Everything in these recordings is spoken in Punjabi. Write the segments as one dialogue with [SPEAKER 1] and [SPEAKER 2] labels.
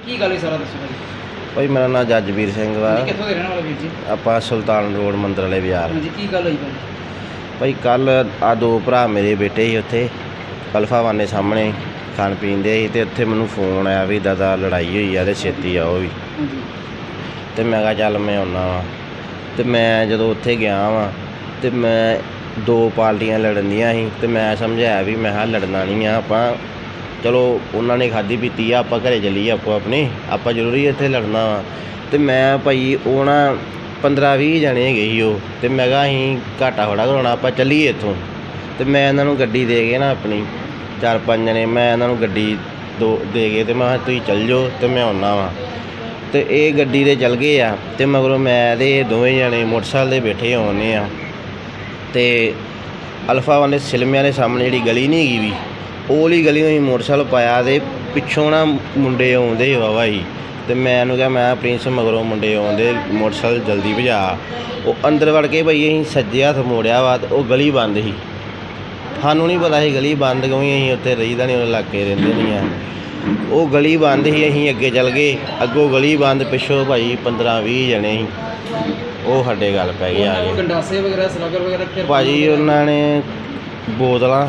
[SPEAKER 1] ਕੀ ਗੱਲ ਹੈ ਸਾਰਾ ਦੱਸੋ ਭਾਜੀ।
[SPEAKER 2] ਭਾਈ ਮੇਰਾ ਨਾਮ ਜੱਜਵੀਰ ਸਿੰਘ ਵਾ।
[SPEAKER 1] ਕਿੱਥੋਂ ਦੇ ਰਹਿਣ ਵਾਲੇ ਵੀਰ ਜੀ?
[SPEAKER 2] ਆਪਾਂ ਸੁਲਤਾਨ ਰੋਡ ਮੰਦਰ ਵਾਲੇ ਬਾਜ਼ਾਰ।
[SPEAKER 1] ਹਾਂਜੀ, ਕੀ ਗੱਲ ਹੋਈ ਭਾਜੀ?
[SPEAKER 2] ਭਾਈ ਕੱਲ ਆ ਦੋ ਭਰਾ ਮੇਰੇ ਬੇਟੇ ਸੀ ਉੱਥੇ ਅਲਫਾ ਵਾਨੇ ਸਾਹਮਣੇ ਖਾਣ ਪੀਣ ਦੇ ਸੀ, ਅਤੇ ਉੱਥੇ ਮੈਨੂੰ ਫੋਨ ਆਇਆ ਵੀ ਦਾਦਾ ਲੜਾਈ ਹੋਈ ਆ ਅਤੇ ਛੇਤੀ ਆਓ ਵੀ।
[SPEAKER 1] ਹਾਂਜੀ।
[SPEAKER 2] ਅਤੇ ਮੈਂ ਕਿਹਾ ਚੱਲ ਮੈਂ ਆਉਂਦਾ ਵਾਂ। ਅਤੇ ਮੈਂ ਜਦੋਂ ਉੱਥੇ ਗਿਆ ਵਾਂ ਅਤੇ ਮੈਂ ਦੋ ਪਾਰਟੀਆਂ ਲੜਨ ਦੀਆਂ ਸੀ, ਅਤੇ ਮੈਂ ਸਮਝਾਇਆ ਵੀ ਮੈਂ ਕਿਹਾ ਲੜਨਾ ਨਹੀਂ ਆ ਆਪਾਂ, ਚਲੋ ਉਹਨਾਂ ਨੇ ਖਾਧੀ ਪੀਤੀ ਆ, ਆਪਾਂ ਘਰੇ ਚੱਲੀਏ ਆਪੋ ਆਪਣੇ, ਆਪਾਂ ਜ਼ਰੂਰੀ ਇੱਥੇ ਲੜਨਾ ਵਾ। ਅਤੇ ਮੈਂ ਭਾਈ ਉਹ ਨਾ 15-20 ਜਣੇ ਹੈਗੇ ਸੀ ਉਹ, ਅਤੇ ਮੈਂ ਕਿਹਾ ਅਸੀਂ ਘਾਟਾ ਥੋੜ੍ਹਾ ਕਰਾਉਣਾ, ਆਪਾਂ ਚੱਲੀਏ ਇੱਥੋਂ। ਅਤੇ ਮੈਂ ਇਹਨਾਂ ਨੂੰ ਗੱਡੀ ਦੇ ਕੇ ਨਾ ਆਪਣੀ 4-5 ਜਣੇ ਮੈਂ ਇਹਨਾਂ ਨੂੰ ਗੱਡੀ ਦੇ ਕੇ, ਅਤੇ ਮੈਂ ਕਿਹਾ ਤੁਸੀਂ ਚੱਲ ਜਾਓ ਅਤੇ ਮੈਂ ਆਉਂਦਾ ਵਾਂ। ਅਤੇ ਇਹ ਗੱਡੀ 'ਤੇ ਚੱਲ ਗਏ ਆ, ਅਤੇ ਮਗਰੋਂ ਮੈਂ ਅਤੇ ਦੋਵੇਂ ਜਣੇ ਮੋਟਰਸਾਈਕਲ 'ਤੇ ਬੈਠੇ ਆਉਂਦੇ ਆ। ਅਤੇ ਅਲਫਾ ਵਾਲੇ ਸਿਲਮਿਆਂ ਦੇ ਸਾਹਮਣੇ ਜਿਹੜੀ ਗਲੀ ਨਹੀਂ ਹੈਗੀ ਵੀ, ਉਹ ਵਾਲੀ ਗਲੀ ਨੂੰ ਅਸੀਂ ਮੋਟਰਸਾਈਕਲ ਪਾਇਆ, ਅਤੇ ਪਿੱਛੋਂ ਨਾ ਮੁੰਡੇ ਆਉਂਦੇ ਵਾਹਵਾ ਸੀ, ਅਤੇ ਮੈਂ ਉਹਨੂੰ ਕਿਹਾ ਮੈਂ ਪ੍ਰਿੰਸ ਮਗਰੋਂ ਮੁੰਡੇ ਆਉਂਦੇ, ਮੋਟਰਸਾਈਕਲ ਜਲਦੀ ਭਜਾ। ਉਹ ਅੰਦਰ ਵੜ ਕੇ ਭਾਈ ਅਸੀਂ ਸੱਜੇ ਹੱਥ ਮੋੜਿਆ ਵਾ, ਅਤੇ ਉਹ ਗਲੀ ਬੰਦ ਸੀ। ਸਾਨੂੰ ਨਹੀਂ ਪਤਾ ਸੀ ਗਲੀ ਬੰਦ ਕਿਉਂਕਿ ਅਸੀਂ ਉੱਥੇ ਰਹੀਦਾ ਨਹੀਂ, ਉਹ ਇਲਾਕੇ ਰਹਿੰਦੇ ਨਹੀਂ ਆ। ਉਹ ਗਲੀ ਬੰਦ ਸੀ, ਅਸੀਂ ਅੱਗੇ ਚੱਲ ਗਏ, ਅੱਗੋਂ ਗਲੀ ਬੰਦ, ਪਿੱਛੋਂ ਭਾਈ 15-20 ਜਣੇ ਸੀ, ਉਹ ਸਾਡੇ ਗੱਲ ਪੈ ਗਏ ਆ ਕੇ।
[SPEAKER 1] ਗੰਡਾਸੇ ਵਗੈਰਾ, ਸਲਾਗਰ ਵਗੈਰਾ
[SPEAKER 2] ਭਾਜੀ ਉਹਨਾਂ ਨੇ ਬੋਤਲਾਂ,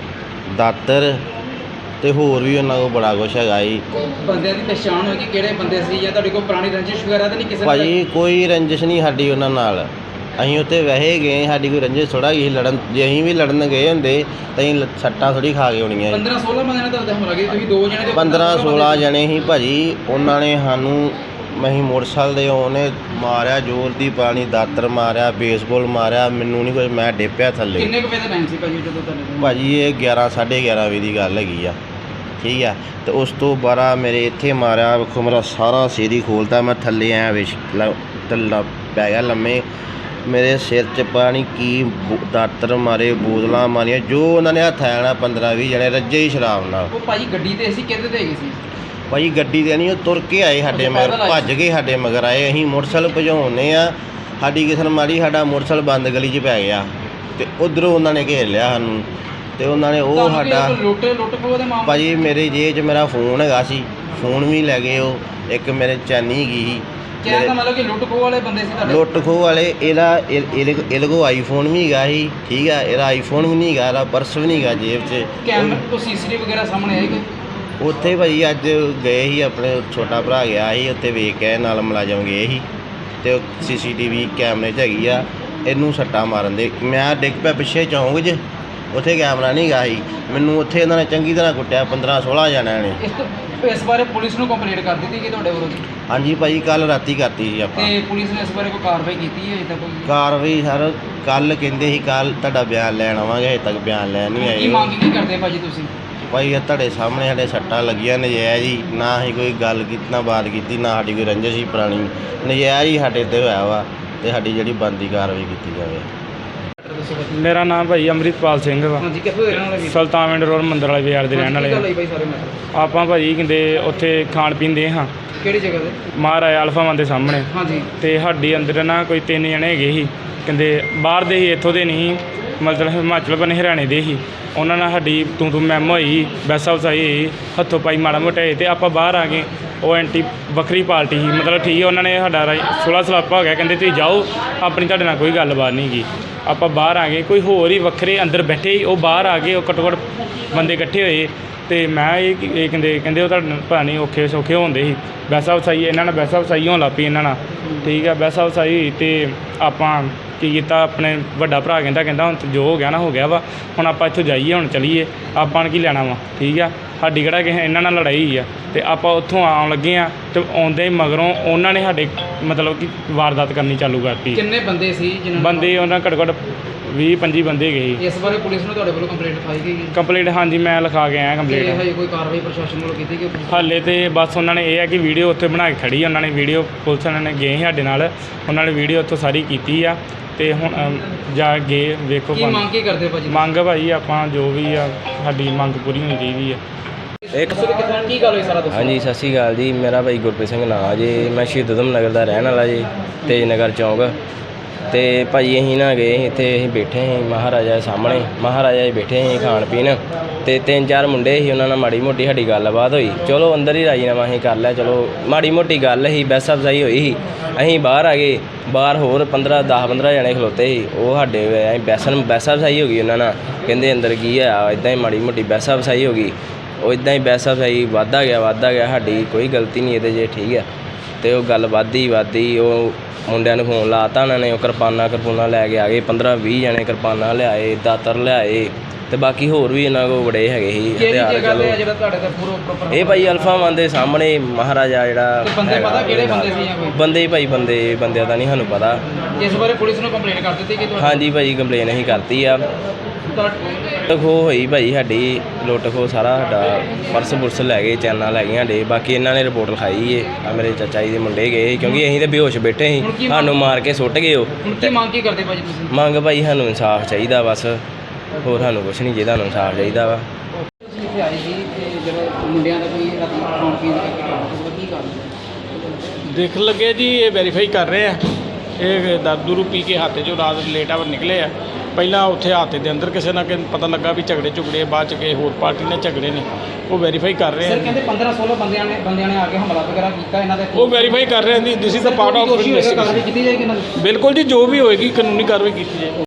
[SPEAKER 2] ਦਾਤਰ ਅਤੇ ਹੋਰ ਵੀ ਉਹਨਾਂ ਕੋਲ ਬੜਾ ਕੁਛ ਹੈਗਾ ਜੀ।
[SPEAKER 1] ਬੰਦਿਆਂ ਦੀ ਪਛਾਣ ਹੋਈ ਕਿ ਕਿਹੜੇ ਬੰਦੇ ਸੀ, ਜਾਂ ਤੁਹਾਡੇ ਕੋਲ ਪੁਰਾਣੀ ਰੰਜਿਸ਼ ਵਗੈਰਾ ਤਾਂ ਨਹੀਂ ਕਿਸੇ ਨਾਲ?
[SPEAKER 2] ਭਾਜੀ ਕੋਈ ਰੰਜਿਸ਼ ਨਹੀਂ ਸਾਡੀ ਉਹਨਾਂ ਨਾਲ, ਅਸੀਂ ਉੱਥੇ ਵੈਸੇ ਗਏ, ਸਾਡੀ ਕੋਈ ਰੰਜਿਸ਼ ਥੋੜ੍ਹਾ ਗਈ ਲੜਨ। ਜੇ ਅਸੀਂ ਵੀ ਲੜਨ ਗਏ ਹੁੰਦੇ ਤਾਂ ਅਸੀਂ ਸੱਟਾਂ ਥੋੜ੍ਹੀ ਖਾ ਕੇ ਆਉਣੀਆਂ।
[SPEAKER 1] 15-16 ਬੰਦਿਆਂ ਨਾਲ ਤਾਂ ਹਮਲਾ ਕੀਤਾ, ਤੁਸੀਂ ਦੋ ਜਣੇ?
[SPEAKER 2] 15-16 ਜਣੇ ਸੀ ਭਾਜੀ। ਉਹਨਾਂ ਨੇ ਸਾਨੂੰ, ਅਸੀਂ ਮੋਟਰਸਾਈਕਲ ਦੇ ਉਹਨੇ ਮਾਰਿਆ, ਜ਼ੋਰ ਦੀ ਪਾਣੀ ਦਾਤਰ ਮਾਰਿਆ, ਬੇਸਬਾਲ ਮਾਰਿਆ, ਮੈਨੂੰ ਨਹੀਂ ਕੁਝ, ਮੈਂ ਡਿੱਪਿਆ ਥੱਲੇ।
[SPEAKER 1] ਕਿੰਨੇ ਕੁ ਵਜੇ ਦਾ ਟਾਈਮ ਸੀ ਭਾਜੀ ਜਦੋਂ ਤੁਹਾਡੇ?
[SPEAKER 2] ਭਾਜੀ ਇਹ 11-11:30 ਵਜੇ ਦੀ ਗੱਲ ਹੈਗੀ ਆ, ਠੀਕ ਆ। ਅਤੇ ਉਸ ਤੋਂ ਬਾਅਦ ਮੇਰੇ ਇੱਥੇ ਮਾਰਿਆ, ਵੇਖੋ ਮੇਰਾ ਸਾਰਾ ਸਿਰ ਹੀ ਖੋਲ੍ਹਤਾ, ਮੈਂ ਥੱਲੇ ਆਇਆ ਥੱਲਾ ਪੈ ਗਿਆ ਲੰਮੇ। ਮੇਰੇ ਸਿਰ 'ਚ ਪਤਾ ਨਹੀਂ ਕੀ ਦਾਤਰ ਮਾਰੇ, ਬੋਤਲਾਂ ਮਾਰੀਆਂ, ਜੋ ਉਹਨਾਂ ਨੇ ਹੱਥ ਆਇਆ ਨਾ 15-20 ਜਣੇ ਰੱਜੇ ਹੀ ਸ਼ਰਾਬ ਨਾਲ।
[SPEAKER 1] ਉਹ ਭਾਜੀ ਗੱਡੀ 'ਤੇ ਸੀ, ਕਿਹਦੇ 'ਤੇ ਹੈਗੇ ਸੀ?
[SPEAKER 2] ਭਾਜੀ ਗੱਡੀ 'ਤੇ ਨਹੀਂ, ਉਹ ਤੁਰ ਕੇ ਆਏ ਸਾਡੇ ਮਗਰ, ਭੱਜ ਕੇ ਸਾਡੇ ਮਗਰ ਆਏ। ਅਸੀਂ ਮੋਟਰਸਾਈਕਲ ਭਜਾਉਂਦੇ ਆ, ਸਾਡੀ ਕਿਸਨ ਮਾਰੀ, ਸਾਡਾ ਮੋਟਰਸਾਈਕਲ ਬੰਦ ਗਲੀ 'ਚ ਪੈ ਗਿਆ, ਅਤੇ ਉੱਧਰੋਂ ਉਹਨਾਂ ਨੇ ਘੇਰ ਲਿਆ ਸਾਨੂੰ, ਅਤੇ ਉਹਨਾਂ ਨੇ ਉਹ ਸਾਡਾ
[SPEAKER 1] ਲੁੱਟ ਖੋਹ ਦੇ ਮਾਮਲੇ?
[SPEAKER 2] ਭਾਜੀ ਮੇਰੇ ਜੇਬ 'ਚ ਮੇਰਾ ਫੋਨ ਹੈਗਾ ਸੀ, ਫੋਨ ਵੀ ਲੈ ਗਏ ਉਹ। ਇੱਕ ਮੇਰੇ ਚੈਨੀ ਹੈਗੀ ਸੀ।
[SPEAKER 1] ਕਹਿਣ ਦਾ ਮਤਲਬ ਕਿ ਲੁੱਟ ਖੋਹ ਵਾਲੇ ਬੰਦੇ ਸੀ ਤੁਹਾਡੇ?
[SPEAKER 2] ਲੁੱਟ ਖੋਹ ਵਾਲੇ। ਇਹਦੇ ਕੋਲ ਆਈਫੋਨ ਵੀ ਹੈਗਾ ਸੀ, ਠੀਕ ਆ, ਇਹਦਾ ਆਈਫੋਨ ਵੀ ਨਹੀਂ ਹੈਗਾ, ਇਹਦਾ ਪਰਸ ਵੀ ਨਹੀਂ ਹੈਗਾ ਜੇਬ 'ਚ।
[SPEAKER 1] ਕੈਮਰਾ ਤੋਂ CCTV ਵਗੈਰਾ ਸਾਹਮਣੇ ਆਏਗਾ?
[SPEAKER 2] ਉੱਥੇ ਭਾਜੀ ਅੱਜ ਗਏ ਸੀ, ਆਪਣੇ ਛੋਟਾ ਭਰਾ ਗਿਆ ਸੀ ਉੱਥੇ, ਵੇਖ ਕੇ ਨਾਲ ਮੁਲਾਜ਼ਮ ਗਏ ਸੀ, ਅਤੇ ਉਹ CCTV ਕੈਮਰੇ 'ਚ ਹੈਗੀ ਆ। ਇਹਨੂੰ ਸੱਟਾਂ ਮਾਰਨ ਦੇ ਮੈਂ ਡਿੱਗ ਪਿਆ ਪਿੱਛੇ ਚੌਂਕ 'ਚ, ਉੱਥੇ ਕੈਮਰਾ ਨਹੀਂ ਗਾ ਸੀ। ਮੈਨੂੰ ਉੱਥੇ ਇਹਨਾਂ ਨੇ ਚੰਗੀ ਤਰ੍ਹਾਂ ਕੁੱਟਿਆ, 15-16 ਜਣਿਆਂ ਨੇ।
[SPEAKER 1] ਇਸ ਬਾਰੇ ਪੁਲਿਸ ਨੂੰ ਕੰਪਲੇਂਟ ਕਰ ਦਿੱਤੀ ਕਿ ਤੁਹਾਡੇ ਵਿਰੁੱਧ?
[SPEAKER 2] ਹਾਂਜੀ ਭਾਜੀ, ਕੱਲ੍ਹ ਰਾਤੀ ਕਰਤੀ ਸੀ ਆਪਾਂ।
[SPEAKER 1] ਤੇ ਪੁਲਿਸ ਨੇ ਇਸ ਬਾਰੇ ਕੋਈ ਕਾਰਵਾਈ ਕੀਤੀ ਹੈ? ਤਾਂ ਕੋਈ
[SPEAKER 2] ਕਾਰਵਾਈ ਸਰ ਕੱਲ੍ਹ ਕਹਿੰਦੇ ਸੀ, ਕੱਲ੍ਹ ਤੁਹਾਡਾ ਬਿਆਨ ਲੈਣ ਆਵਾਂਗੇ, ਹਜੇ ਤੱਕ ਬਿਆਨ ਲੈਣ ਨਹੀਂ ਆਏ।
[SPEAKER 1] ਕੀ ਮੰਗ ਕੀ ਕਰਦੇ ਭਾਜੀ ਤੁਸੀਂ?
[SPEAKER 2] ਭਾਈ ਇਹ ਤੁਹਾਡੇ ਸਾਹਮਣੇ ਸਾਡੇ ਸੱਟਾਂ ਲੱਗੀਆਂ ਨਜਾਇਜ਼ ਹੀ, ਨਾ ਅਸੀਂ ਕੋਈ ਗੱਲ ਕੀਤੀ, ਨਾ ਬਾਤ ਕੀਤੀ, ਨਾ ਸਾਡੀ ਕੋਈ ਰੰਜਿਸ਼ ਸੀ ਪੁਰਾਣੀ, ਨਜਾਇਜ਼ ਹੀ ਸਾਡੇ 'ਤੇ ਹੋਇਆ ਵਾ, ਅਤੇ ਸਾਡੀ ਜਿਹੜੀ ਬਣਦੀ ਕਾਰਵਾਈ ਕੀਤੀ ਜਾਵੇ।
[SPEAKER 3] ਮੇਰਾ ਨਾਮ ਭਾਈ ਅੰਮ੍ਰਿਤਪਾਲ ਸਿੰਘ ਵਾ।
[SPEAKER 1] ਹਾਂਜੀ, ਕਿੱਥੋਂ ਦੇ ਰਹਿਣ ਵਾਲੇ?
[SPEAKER 3] ਸੁਲਤਾਨ ਰੋਡ ਮੰਦਰ ਵਾਲੇ ਬਾਜ਼ਾਰ ਦੇ ਰਹਿਣ ਵਾਲੇ।
[SPEAKER 1] ਭਾਈ ਸਾਰੇ ਮੈਟਰ
[SPEAKER 3] ਆਪਾਂ ਭਾਜੀ ਕਹਿੰਦੇ ਉੱਥੇ ਖਾਣ ਪੀਣ ਦੇ ਹਾਂ।
[SPEAKER 1] ਕਿਹੜੀ ਜਗ੍ਹਾ ਤੇ?
[SPEAKER 3] ਮਹਾਰਾਜਾ ਅਲਫਾ ਵਾਨ ਦੇ ਸਾਹਮਣੇ।
[SPEAKER 1] ਹਾਂਜੀ।
[SPEAKER 3] ਅਤੇ ਸਾਡੀ ਅੰਦਰ ਨਾ ਕੋਈ 3 ਜਣੇ ਹੈਗੇ ਸੀ, ਕਹਿੰਦੇ ਬਾਹਰ ਦੇ ਸੀ, ਇੱਥੋਂ ਦੇ ਨਹੀਂ, ਮਤਲਬ ਹਿਮਾਚਲ ਬਣੇ ਹਰਿਆਣੇ ਦੇ ਸੀ। ਉਹਨਾਂ ਨਾਲ ਸਾਡੀ ਤੂੰ ਮੈਮ ਹੋਈ, ਬੈਸਾ ਵਸਾਈ ਹੋਈ, ਹੱਥੋਂ ਪਾਈ ਮਾੜਾ ਮੋਟਾ ਹੋਏ, ਅਤੇ ਆਪਾਂ ਬਾਹਰ ਆ ਗਏ। ਉਹ ਐਂਟੀ ਵੱਖਰੀ ਪਾਰਟੀ ਸੀ, ਮਤਲਬ ਠੀਕ ਹੈ, ਉਹਨਾਂ ਨੇ ਸਾਡਾ ਸੁਲ੍ਹਾ ਸਲਾਪਾ ਹੋ ਗਿਆ, ਕਹਿੰਦੇ ਤੁਸੀਂ ਜਾਓ, ਆਪਣੀ ਤੁਹਾਡੇ ਨਾਲ ਕੋਈ ਗੱਲਬਾਤ ਨਹੀਂ ਗੀ। ਆਪਾਂ ਬਾਹਰ ਆ ਗਏ, ਕੋਈ ਹੋਰ ਹੀ ਵੱਖਰੇ ਅੰਦਰ ਬੈਠੇ, ਉਹ ਬਾਹਰ ਆ ਗਏ, ਉਹ ਘੱਟੋ ਘੱਟ ਬੰਦੇ ਇਕੱਠੇ ਹੋਏ, ਅਤੇ ਮੈਂ ਇਹ ਕਹਿੰਦੇ ਉਹ ਤੁਹਾਡੇ ਪਤਾ ਨਹੀਂ ਔਖੇ ਸੌਖੇ ਹੁੰਦੇ ਸੀ। ਬੈਸਾ ਵਸਾਈ ਇਹਨਾਂ ਨਾਲ, ਬੈਸਾ ਵਸਾਈ ਹੋਣ ਲੱਗ ਪਈ ਇਹਨਾਂ ਨਾਲ, ਠੀਕ ਹੈ। ਬੈਸਾ ਵਸਾਈ ਹੋਈ ਅਤੇ ਆਪਾਂ ਕੀ ਕੀਤਾ, ਆਪਣੇ ਵੱਡਾ ਭਰਾ ਕਹਿੰਦਾ ਹੁਣ ਜੋ ਹੋ ਗਿਆ ਨਾ ਹੋ ਗਿਆ ਵਾ, ਹੁਣ ਆਪਾਂ ਇੱਥੋਂ ਜਾਈਏ, ਹੁਣ ਚਲੀਏ, ਆਪਾਂ ਨੇ ਕੀ ਲੈਣਾ ਵਾ, ਠੀਕ ਆ। ਸਾਡੀ ਕਿਹੜਾ ਕਿਸੇ ਇਹਨਾਂ ਨਾਲ ਲੜਾਈ ਹੋਈ ਆ, ਅਤੇ ਆਪਾਂ ਉੱਥੋਂ ਆਉਣ ਲੱਗੇ ਹਾਂ, ਅਤੇ ਆਉਂਦੇ ਮਗਰੋਂ ਉਹਨਾਂ ਨੇ ਸਾਡੇ ਮਤਲਬ ਕਿ ਵਾਰਦਾਤ ਕਰਨੀ ਚਾਲੂ ਕਰਤੀ।
[SPEAKER 1] ਕਿੰਨੇ ਬੰਦੇ ਸੀ ਜਿਹਨਾਂ
[SPEAKER 3] ਬੰਦੇ? ਉਹਨਾਂ ਘੱਟੋ ਘੱਟ 20-25 ਬੰਦੇ ਗਏ।
[SPEAKER 1] ਇਸ ਬਾਰੇ ਪੁਲਿਸ ਨੂੰ ਤੁਹਾਡੇ ਵੱਲੋਂ ਕੰਪਲੇਂਟ ਲਿਖਾਈ ਗਈ?
[SPEAKER 3] ਕੰਪਲੇਂਟ ਹਾਂਜੀ ਮੈਂ ਲਿਖਾ ਕੇ ਆਇਆ ਕੰਪਲੇਂਟ।
[SPEAKER 1] ਹਜੇ ਕੋਈ ਕਾਰਵਾਈ ਪ੍ਰਸ਼ਾਸਨ ਵੱਲੋਂ ਕੀਤੀ ਗਈ?
[SPEAKER 3] ਹਾਲੇ ਤੇ ਬਸ ਉਹਨਾਂ ਨੇ ਇਹ ਹੈ ਕਿ ਵੀਡੀਓ ਉੱਥੇ ਬਣਾ ਕੇ ਖੜੀ, ਉਹਨਾਂ ਨੇ ਵੀਡੀਓ ਪੁਲਿਸ ਵਾਲਿਆਂ ਨੇ ਗਏ ਸਾਡੇ ਨਾਲ, ਉਹਨਾਂ ਨੇ ਵੀਡੀਓ ਉੱਥੋਂ ਸਾਰੀ ਕੀਤੀ ਆ, ਅਤੇ ਹੁਣ ਜਾ ਗਏ ਵੇਖੋ।
[SPEAKER 1] ਕੀ ਮੰਗ ਕੀ ਕਰਦੇ ਭਾਜੀ?
[SPEAKER 3] ਮੰਗ ਭਾਜੀ ਆਪਾਂ ਜੋ ਵੀ ਆ ਸਾਡੀ ਮੰਗ ਪੂਰੀ ਹੋਣੀ ਚਾਹੀਦੀ ਆ।
[SPEAKER 1] ਕੀ ਗੱਲ ਹੋਈ ਸਾਰਾ ਦੱਸੋ?
[SPEAKER 2] ਹਾਂਜੀ, ਸਤਿ ਸ਼੍ਰੀ ਅਕਾਲ ਜੀ। ਮੇਰਾ ਭਾਈ ਗੁਰਪ੍ਰੀਤ ਸਿੰਘ ਨਾਂ ਜੀ, ਮੈਂ ਸ਼ਹੀਦ ਊਧਮ ਨਗਰ ਦਾ ਰਹਿਣ ਵਾਲਾ ਜੀ, ਤੇਜ ਨਗਰ ਚੌਂਕ। ਤੇ ਭਾਜੀ ਅਸੀਂ ਨਾ ਗਏ ਸੀ ਇੱਥੇ, ਅਸੀਂ ਬੈਠੇ ਸੀ ਮਹਾਰਾਜਾ ਦੇ ਸਾਹਮਣੇ, ਮਹਾਰਾਜਾ ਜੀ ਬੈਠੇ ਸੀ ਖਾਣ ਪੀਣ, ਤੇ 3-4 ਮੁੰਡੇ ਸੀ, ਉਹਨਾਂ ਨਾਲ ਮਾੜੀ ਮੋਟੀ ਸਾਡੀ ਗੱਲਬਾਤ ਹੋਈ। ਚਲੋ ਅੰਦਰ ਹੀ ਰਾਜੀਨਾਮਾ ਅਸੀਂ ਕਰ ਲਿਆ, ਚਲੋ ਮਾੜੀ ਮੋਟੀ ਗੱਲ ਸੀ, ਬਹਿਸ ਅਫਜ਼ਾਈ ਹੋਈ ਸੀ। ਅਸੀਂ ਬਾਹਰ ਆ ਗਏ, ਬਾਹਰ ਹੋਰ 10-15 ਜਣੇ ਖਲੋਤੇ ਸੀ, ਉਹ ਸਾਡੇ ਬਹਿਸ ਅਫਜ਼ਾਈ ਹੋ ਗਈ ਉਹਨਾਂ ਨਾਲ, ਕਹਿੰਦੇ ਅੰਦਰ ਕੀ ਆ, ਇੱਦਾਂ ਹੀ ਮਾੜੀ ਮੋਟੀ ਬਹਿਸ ਅਫਜ਼ਾਈ ਹੋ ਗਈ। ਉਹ ਇੱਦਾਂ ਹੀ ਬਹਿਸ ਅਫਜ਼ਾਈ ਵੱਧਦਾ ਗਿਆ, ਸਾਡੀ ਕੋਈ ਗਲਤੀ ਨਹੀਂ ਇਹਦੇ 'ਚ, ਠੀਕ ਹੈ। ਤੇ ਉਹ ਗੱਲ ਵੱਧਦੀ ਉਹ ਮੁੰਡਿਆਂ ਨੂੰ ਫੋਨ ਲਾਤਾ ਉਹਨਾਂ ਨੇ, ਉਹ ਕਿਰਪਾਨਾਂ ਲੈ ਕੇ ਆ ਗਏ, 15-20 ਜਣੇ ਕਿਰਪਾਨਾਂ ਲਿਆਏ, ਦਾਤਰ ਲਿਆਏ, ਤੇ ਬਾਕੀ ਹੋਰ ਵੀ ਇਹਨਾਂ ਕੋਲ ਬੜੇ ਹੈਗੇ ਸੀ ਹਥਿਆਰ। ਚਲੋ
[SPEAKER 1] ਜਿਹੜਾ ਤੁਹਾਡੇ ਤੇ ਪੂਰਾ ਪ੍ਰੋਪਰ
[SPEAKER 2] ਇਹ ਭਾਈ ਅਲਫਾ ਵਨ ਦੇ ਸਾਹਮਣੇ ਮਹਾਰਾਜਾ ਜਿਹੜਾ
[SPEAKER 1] ਬੰਦੇ ਪਤਾ ਕਿਹੜੇ ਬੰਦੇ ਸੀ ਜਾਂ ਕੋਈ
[SPEAKER 2] ਬੰਦੇ ਭਾਈ ਬੰਦਿਆਂ ਦਾ ਨਹੀਂ ਸਾਨੂੰ ਪਤਾ।
[SPEAKER 1] ਇਸ ਬਾਰੇ ਪੁਲਿਸ ਨੂੰ ਕੰਪਲੇਂਟ ਕਰ ਦਿੱਤੀ ਕਿ
[SPEAKER 2] ਹਾਂਜੀ ਭਾਈ ਕੰਪਲੇਨ ਅਸੀਂ ਕਰਤੀ ਆ। ਲੁੱਟ ਖੋਹ ਹੋਈ ਭਾਈ ਸਾਡੀ, ਲੁੱਟ ਖੋਹ ਸਾਰਾ ਸਾਡਾ ਪਰਸ ਲੈ ਗਏ, ਚੈਨਾਂ ਲੈ ਗਈਆਂ ਸਾਡੇ। ਬਾਕੀ ਇਹਨਾਂ ਨੇ ਰਿਪੋਰਟ ਲਿਖਾਈ ਏ, ਆ ਮੇਰੇ ਚਾਚਾ ਜੀ ਦੇ ਮੁੰਡੇ ਗਏ ਸੀ, ਕਿਉਂਕਿ ਅਸੀਂ ਤਾਂ ਬੇਹੋਸ਼ ਬੈਠੇ ਸੀ, ਸਾਨੂੰ ਮਾਰ ਕੇ ਸੁੱਟ ਗਏ ਉਹ।
[SPEAKER 1] ਹੁਣ ਕੀ ਮੰਗ ਕੀ ਕਰਦੇ ਭਾਜੀ ਤੁਸੀਂ?
[SPEAKER 2] ਮੰਗ ਭਾਈ ਸਾਨੂੰ ਇਨਸਾਫ ਚਾਹੀਦਾ ਬਸ, ਹੋਰ ਸਾਨੂੰ ਕੁਛ ਨਹੀਂ, ਜੇ ਤੁਹਾਨੂੰ ਇਨਸਾਫ ਚਾਹੀਦਾ ਵਾ।
[SPEAKER 1] ਤੁਸੀਂ ਇੱਥੇ ਆਏ ਸੀ ਤੇ ਜਿਹੜੇ ਮੁੰਡਿਆਂ ਦਾ ਕੋਈ ਰਾਤੀ ਖਾਣ ਪੀਣ ਦਾ ਕੀ ਕਾਰਨ?
[SPEAKER 4] ਦੇਖ ਲੱਗੇ ਜੀ, ਇਹ ਵੈਰੀਫਾਈ ਕਰ ਰਹੇ ਆ। ਇਹ ਦਾਰੂ ਪੀ ਕੇ ਹਾਤੇ 'ਚੋਂ ਰਾਤ ਲੇਟ ਆਵਰ ਨਿਕਲੇ ਆ। ਪਹਿਲਾਂ ਉੱਥੇ ਹਾਤੇ ਦੇ ਅੰਦਰ ਕਿਸੇ ਨਾ ਪਤਾ ਲੱਗਾ ਵੀ ਝਗੜੇ ਬਾਅਦ 'ਚ ਕਿਸੇ ਹੋਰ ਪਾਰਟੀ ਨੇ ਝਗੜੇ ਨੇ, ਉਹ ਵੈਰੀਫਾਈ ਕਰ ਰਹੇ
[SPEAKER 1] ਸਰ
[SPEAKER 4] ਆ।
[SPEAKER 1] ਕਹਿੰਦੇ 15-16 ਬੰਦਿਆਂ ਨੇ ਆ ਕੇ ਹਮਲਾ ਵਗੈਰਾ ਕੀਤਾ ਇਹਨਾਂ ਦੇ।
[SPEAKER 4] ਉਹ ਵੈਰੀਫਾਈ ਕਰ ਰਹੇ ਆ। This is the part of investigation.
[SPEAKER 1] ਕੀਤੀ ਜਾਏਗੀ ਇਹਨਾਂ ਦੀ।
[SPEAKER 4] ਬਿਲਕੁਲ ਜੀ, ਜੋ ਵੀ ਹੋਏਗੀ ਕਾਨੂੰਨੀ ਕਾਰਵਾਈ ਕੀਤੀ ਜਾਏਗੀ।